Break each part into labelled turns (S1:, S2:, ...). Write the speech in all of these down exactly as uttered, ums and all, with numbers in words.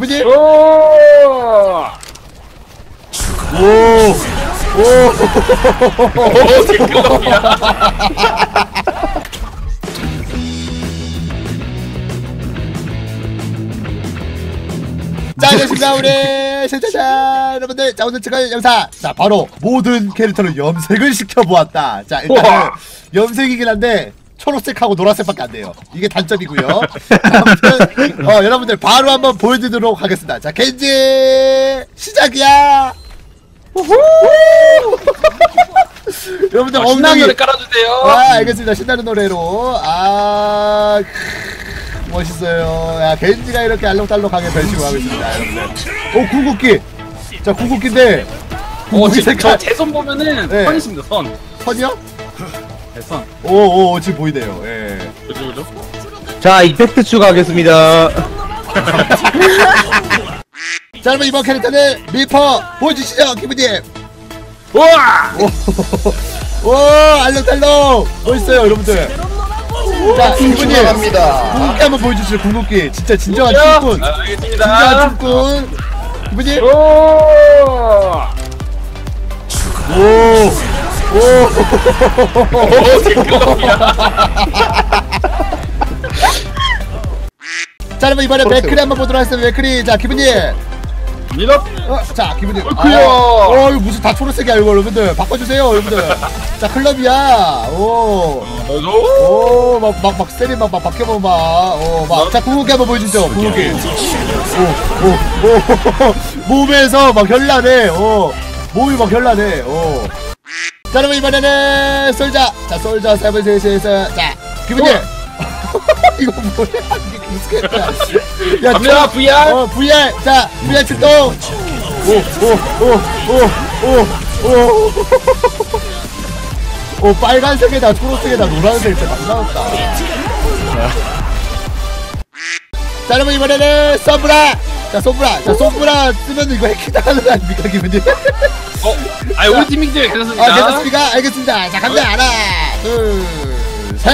S1: 기분이?
S2: 오!
S1: 오! 오!
S2: 오, 개꿀이야.
S1: 자, 안녕하십니까 우리 시청자 여러분들. 자, 오늘 찍을 영상, 자 바로 모든 캐릭터를 염색을 시켜보았다. 자, 일단은
S2: 우와.
S1: 염색이긴 한데 초록색하고 노란색밖에 안 돼요. 이게 단점이고요. 아무튼 어, 여러분들 바로 한번 보여드리도록 하겠습니다. 자, 겐지 시작이야. 우후. 여러분들
S2: 어, 신나는
S1: 엉덩이
S2: 노래 깔아주세요.
S1: 아, 알겠습니다. 신나는 노래로. 아, 멋있어요. 야, 겐지가 이렇게 알록달록하게 변신을 하고 있습니다, 여러분들. 오, 궁극기. 자, 궁극기인데.
S2: 어,
S1: 궁극기
S2: 지금
S1: 색깔.
S2: 제 손 보면은
S1: 네.
S2: 선 있습니다, 선.
S1: 선이요?
S2: 네, 선.
S1: 오, 오, 지금 보이네요. 예.
S2: 그죠, 그죠?
S3: 자, 이펙트 추가하겠습니다.
S1: 자, 여러분, 이번 캐릭터는 미퍼 보여주시죠, 기분님.
S2: 우와!
S1: 오, 알록달록. 멋있어요, 여러분들. 자, 기분님.
S3: 추가합니다.
S1: 궁극기 한번 보여주시죠, 궁극기. 진짜 진정한
S2: 야!
S1: 춤꾼.
S2: 아,
S1: 진정한
S2: 알겠습니다.
S1: 춤꾼. 기분님.
S2: 오!
S1: 오, 오.
S2: 오, 개꿀이야.
S1: 자, 여러분 이번에 맥크리 한번 보도록 하겠습니다. 맥크리. 자, 기분님.
S2: 밀어.
S1: 어, 자, 기분님.
S2: 어이쿠야.
S1: 어, 이거 무슨 다 초록색이야, 이거 여러분들. 바꿔주세요, 여러분들. 자, 클럽이야. 오,
S2: 너도?
S1: 오, 막, 막, 막, 세리 막, 막, 바뀌어봐, 막. 어, 막. 자, 궁극기 한번 보여주죠, 궁극기. 오, 오, 오. 몸에서 막 현란해. 어, 몸이 막 현란해. 어. 자, 여러분 이번에는 솔자. 자, 솔자 세븐셋에서. 자, 기분님. 이거 뭐야? 이게 익숙했다. 야,
S2: 갑니다, 브이알.
S1: 어, 브이알. 자, 브이알 출동. 오, 오, 오, 오, 오, 오. 오, 빨간색에다 초록색에다 노란색 진짜 많이 나왔다. 자, 여러분 이번에는 썸브라. 자, 솜브라. 자, 솜브라 쓰면 이거 해킹당하는 거 아닙니까, 기분님?
S2: 어, 아니, 우리 팀이기 때문에 괜찮습니다.
S1: 아, 괜찮습니까? 알겠습니다. 자, 갑니다. 하나, 둘, 셋.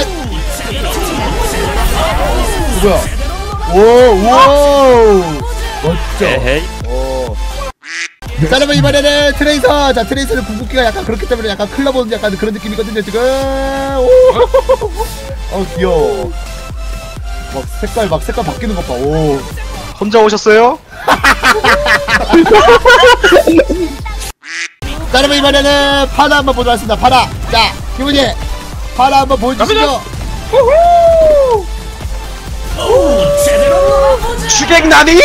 S1: 뭐야? 오, 오, 멋져. 오. 자, 여러분 이번에는 트레이서. 자, 트레이서는 궁극기가 약간 그렇기 때문에 약간 클럽 오는 약간 그런 느낌이거든요, 지금. 오, 어, 귀여워. 막 색깔 막 색깔 바뀌는 것 봐. 오.
S3: 혼자 오셨어요?
S1: 자, 여러분 이번에는 파라 한번 보도록 하겠습니다. 파라. 자, 기분이 파라 한번 보여주시죠.
S3: 추객나니?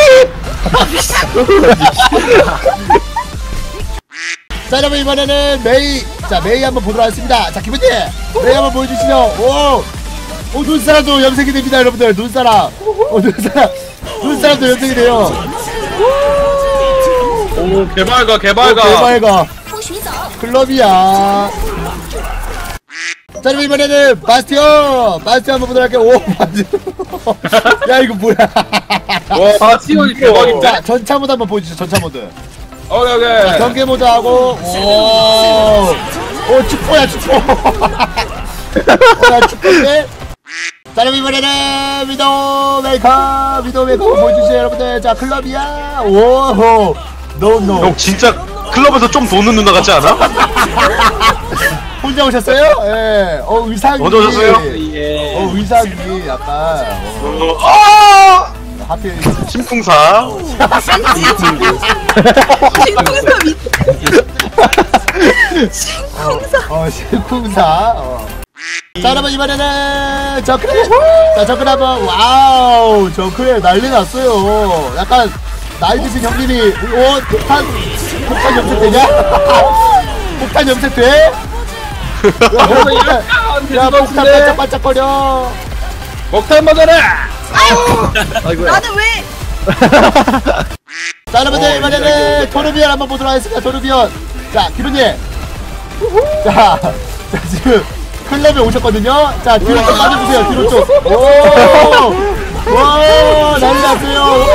S1: 자, 여러분 이번에는 메이. 자, 메이 한번 보도록 하겠습니다. 자, 기분이 메이 한번 보여주시죠. 오, 오, 눈사람도 염색이 됩니다, 여러분들. 눈사람. 오, 눈사람. 눈사람도 염색이 돼요.
S2: 오, 개발가,
S1: 오,
S2: 개발가.
S1: 대박이가. 클럽이야. 자, 여러분 이번에는 바스티온. 바스티온 한번 보도록 할게요. 오, 바스티온. 야, 이거 뭐야.
S2: 와, 바티온이 대박인데?
S1: 자, 전차 모드 한번 보여주시죠, 전차 모드.
S2: 오케이,
S1: 자,
S2: 오케이.
S1: 경계 모드 하고. 오, 오, 축포야, 축포. 어, 야, 축포인데? 자, 여러분 이번에는 위도우 메이커. 위도우 메이커 보여주세요, 여러분들. 자, 클럽이야. 오, 노노.
S3: 형 진짜 클럽에서 좀 도는 누나 같지 않아?
S1: 혼자 오셨어요? 예. 어, 의상이.
S3: 혼자 오셨어요?
S2: 예.
S1: 어, 의상이 약간. 어,
S3: 아!
S1: 하필.
S3: 심쿵사.
S1: 어, 실쿵사. 어. 자, 여러분 이번에는 저크레. 자, 저크레 한번. 와우, 저크레 난리 났어요. 약간 나이 드신 형님이 오, 폭탄 폭탄 염색 되냐? 폭탄 염색 돼? 야, 폭탄, 야, 폭탄 반짝반짝거려.
S2: 목탄 맞아라!
S4: 나는 왜?
S1: 자, 여러분들 이번에는 토르비언 한번 보도록 하겠습니다. 토르비언. 자, 기분님. 자, 자 지금 클럽에 오셨거든요. 자, 뒤로 좀 빠져주세요. 뒤로 좀. 오, 와, 난리 났어요.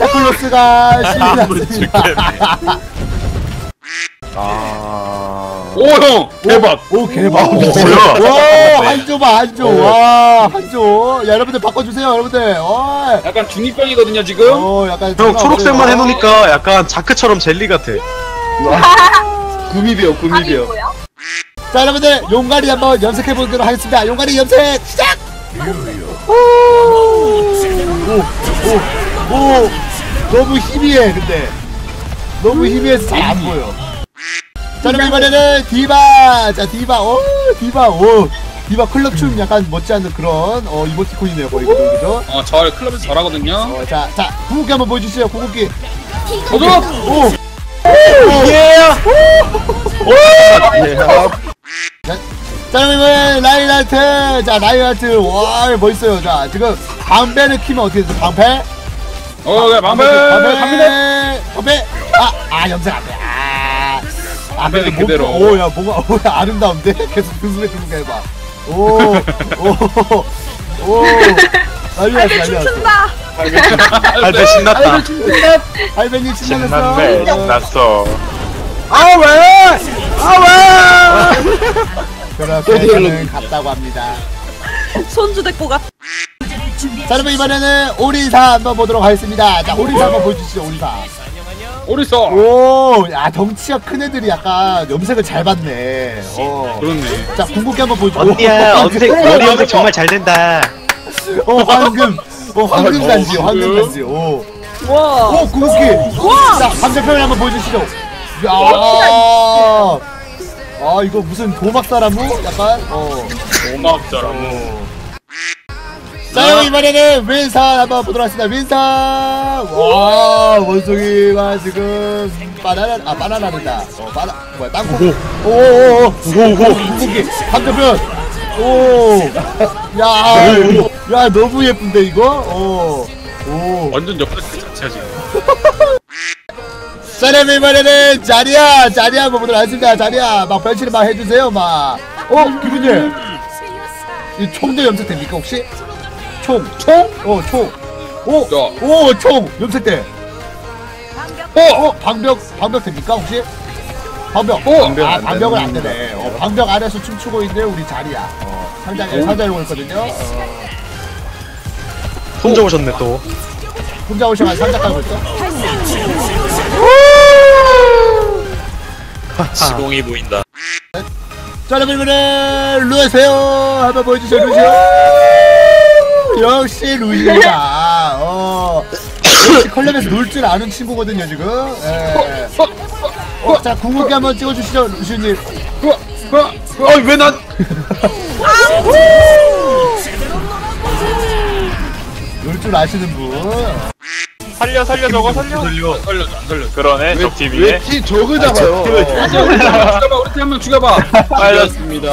S1: 산타클로스가 신이 났습니다.
S3: 아.
S2: 오 형 대박.
S1: 오 대박.
S3: 오, 뭐야?
S1: 와 한조 봐 한조. 와 한조. 야 여러분들 바꿔주세요 여러분들. 어.
S2: 약간 중이병이거든요 지금.
S1: 어 약간
S3: 형 초록색만 해놓으니까 약간 자크처럼 젤리 같아.
S2: 구미비요
S4: 아니
S2: 구미비요.
S4: 뭐야?
S1: 자 여러분들 용가리 한번 염색해 보도록 하겠습니다. 용가리 염색 시작. 오오오 너무 희미해 근데 너무 희미해서 잘 안 보여. 자 그럼 이번에는 디바. 자 디바 오 디바 오 디바 클럽 춤 약간 못지않은 그런 어 이모티콘이네요 거의 그죠 그죠.
S2: 어저 클럽에서 잘하거든요.
S1: 어자자 궁극기 한번 보여주시죠 궁극기.
S2: 저도.
S1: 오
S3: 예.
S1: 자, 자 그럼 이번엔 라인하트. 자 라인하트 와 멋있어요. 자 지금 방패를 키면 어떻게 되죠 방패.
S2: 어 그래 방패 갑니다.
S1: 방패 아아 염색 안돼. 아 아,
S2: 방패는
S1: 근데
S2: 그대로.
S1: 뭔가- 오야 뭔가 오야 아름다운데 계속 등수에 등수해 봐. 오오오 난리 났어
S4: 아이들
S1: 난리 났어.
S4: 춤춘다.
S3: 할배 신났다.
S1: 할배님 신났어.
S3: 신났네. 신났어.
S1: 아 왜? 아 왜? 그렇게 저는 갔다고 합니다.
S4: 손주 데리고 갔.
S1: 자 그러면 이번에는 오리사 한번 보도록 하겠습니다. 자 오리사 한번 보여주시죠 오리사.
S2: 오리서.
S1: 오, 야 덩치가 큰 애들이 약간 염색을 잘 받네. 어.
S2: 그렇네.
S1: 자 궁극기 한번 보여줘.
S3: 언니야
S1: 오,
S3: 염색
S1: 오,
S3: 머리 염색 정말 잘 된다.
S1: 어 황금. 어 황금
S2: 아,
S1: 단지.
S2: 어,
S1: 황금
S2: 황금.
S1: 단지. 오.
S4: 와.
S1: 오 궁극기. 자 반대편을 한번 보여주시죠. 야. 아 이거 무슨 도막 사람우? 약간 어.
S2: 오막자라고.
S1: 자 그럼 이번에는 윈선 한번 보도록 하겠습니다. 윈선. 와 원숭이가 지금 바나나 아 바나나는다. 어 바나 뭐야 땅콩. 오오오 오오 궁극기 반대편. 오야야 너무 예쁜데 이거. 오오
S2: 완전 옆에 그 자체야 지금.
S1: 자 그럼 이번에는 자리야 자리야 한번 보도록 하겠습니다. 자리야 막 변신을 막 해주세요 막. 어 기분님 이 총도 염색됩니까 혹시? 총 총? 어 총. 오
S2: 자.
S1: 오 총 염색돼.
S2: 어.
S1: 어 방벽 방벽 됩니까 혹시? 방벽.
S2: 어,
S1: 방벽 아 방벽은 안 되네. 어 방벽 안에서 춤추고 있는 우리 자리야. 어 상장에 상장에 오고 있거든요. 어,
S3: 혼자 오셨네 또.
S1: 혼자 오셔가지고 상장 깔고 있어.
S5: 시공이 보인다.
S1: 자 여러분 이번엔 루시오 한번 보여주세요. 루시오. 역시 루시오다. 어 역시 컬럼에서 놀 줄 아는 친구거든요 지금. 예. 어, 자 궁극기 한번 찍어주시죠 루시오님.
S3: 어왜 난?
S1: 놀 줄 아시는 분.
S3: 살려 살려 저거 살려.
S2: 살려 살려줘 안 살려줘.
S3: 그러네 저 팀이네.
S2: 왜팀 적을 잡아요? 우리 팀 죽여봐 우리 팀 한 명 죽여봐. 알렸습니다.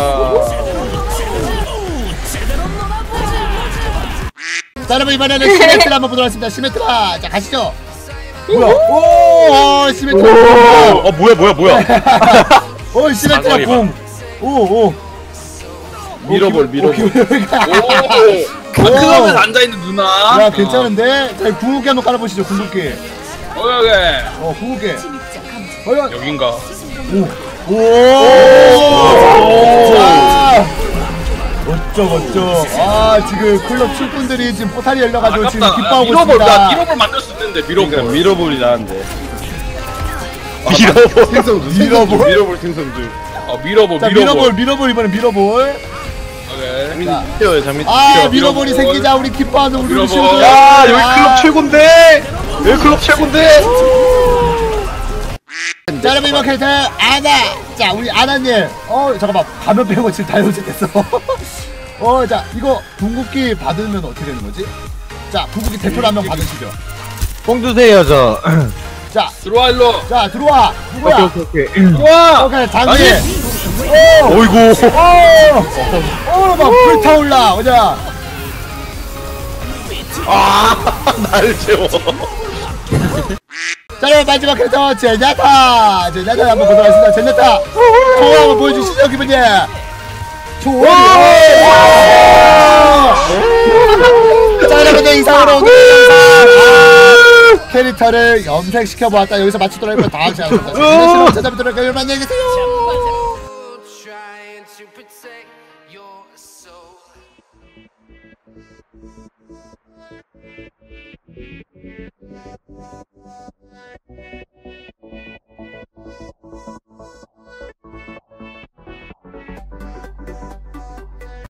S1: 자 여러분 이번에는 시메트라 한번 보도록 하겠습니다. 시메트라 자 가시죠. 뭐야? 오 시메트라.
S3: 어 뭐야 뭐야 뭐야.
S1: 오 시메트라 공. 오오
S2: 밀어볼 밀어볼.
S1: 오.
S2: 오. 클럽에 앉아 있는 누나.
S1: 야 괜찮은데? 자 궁극기 한번 깔아보시죠 궁극기.
S2: 어 여기.
S1: 어 궁극기. 어
S2: 여긴가.
S1: 오. 자. 어쩌 어쩌. 아 지금 클럽 출분들이 지금 포탈이 열려가지고 지금
S2: 아깝다.
S1: 기뻐하고
S2: 밀어볼 나
S1: 있습니다.
S2: 밀어볼 만들 수 있는데 밀어볼. 밀어볼이 나는데.
S3: 밀어볼.
S2: 생성주
S1: 밀어볼?
S2: 밀어볼 생성주. 어 밀어볼
S1: 자
S2: 밀어볼.
S1: 밀어볼 밀어볼 이번엔 밀어볼.
S2: 오케이.
S1: 자,
S3: 뛰어요 장미.
S1: 아 밀어볼이 생기자 우리 기뻐하는 우리
S2: 밀어볼.
S1: 루시오들.
S3: 야 여기
S1: 아.
S3: 클럽 최고인데. 여기 클럽 최고인데.
S1: 자 여러분 이번 캐릭터 아나. 자 우리 아나님. 어 잠깐만 가면 빼고 지금 다 염색됐어. 어 자 이거 궁극기 받으면 어떻게 되는 거지? 자 궁극기 대표로 한 명 받으시죠.
S6: 뽕 주세요 저.
S1: 자,
S2: 들어와 일로.
S1: 자 들어와. 누구야?
S6: 오케이 오케이.
S2: 들어와.
S1: 오케이 장기.
S3: 어이구.
S1: 어막 불타올라. 오자.
S3: 날 채워.
S1: 자 여러분 마지막 캐릭터 제냐타. 제냐타 한번 보도록 하겠습니다. 제냐타. 좋아 한번 보여주시죠 기분이. 좋아. 자 여러분들 이상으로 오늘 영상 캐릭터를 염색시켜보았다. 여기서 마치도록 하겠습니다. 다음 시간에 찾아뵙도록 할게요. 여러분 안녕히 계세요.